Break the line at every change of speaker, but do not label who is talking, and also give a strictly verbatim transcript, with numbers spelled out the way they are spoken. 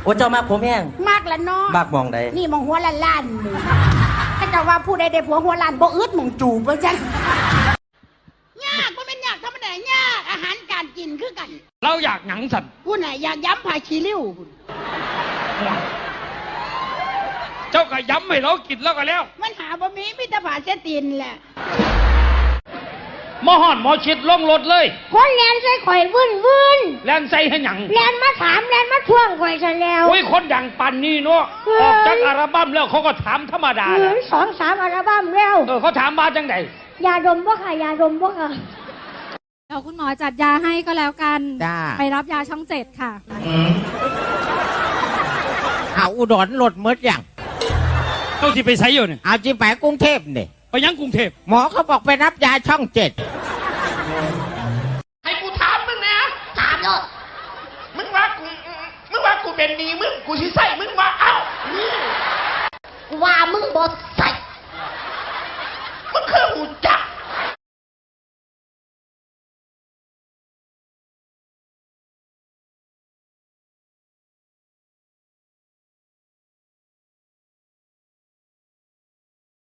โอ้เจ้ามากผมแห้ง
มากละเนาะ
มากมองใด
นี่มองหัวล้านล้านนี่ถ้าจะว่าผู้ใดได้ผัวหัวล้านบ่อึดมองจูบว่าจังยากก็เป็นยากธรรมดายากอาหารการกินคือกัน
เราอยากหนังสัตว์
กูน่ะอยากย้ำผาขี้ริ้ว
เจ้าก็ย้ำให้เรากินแล้วก็แล้ว
มันหาบะหมี่มิตรผาเสตีนแหละ
หมอห่อนหมอชิดลงรถเลย
คนแลนใส่ข่อยวื่นวื่น
แลนใส่ให้หยัง
แลนมาถามแลนมาท่วงข่อยซะแล้ว
โอ้ยคนดังปันนี่เนาะออกจากอัลบั้มแล้วเขาก็ถามธรรมดา
เหมือนสองสามอัลบั้มแล้ว
เออเขาถามมาจังได
ยาดมบ่ค่ะยาดมบ่ค่ะ
เดี๋ยวคุณหมอจัดยาให้ก็แล้วกันไปรับยาช่องเจ็ดค่ะ
เอาอุดรหลดมดอย่าง
เจ้าที่ไปใช้อยู่เนี่ย
เอาจีไปกรุงเทพเนี่ย
ไปยังกรุงเทพ
หมอเขาบอกไปรับยาช่องเจ็ด
ให้กูถามมึงนะถามเลยมึงว่ากูมึงว่ากูเป็นดีมึงกูสิใส่มึงว่าเอ้า
ว่ามึงบ่ใส่
มึงคือหูจัก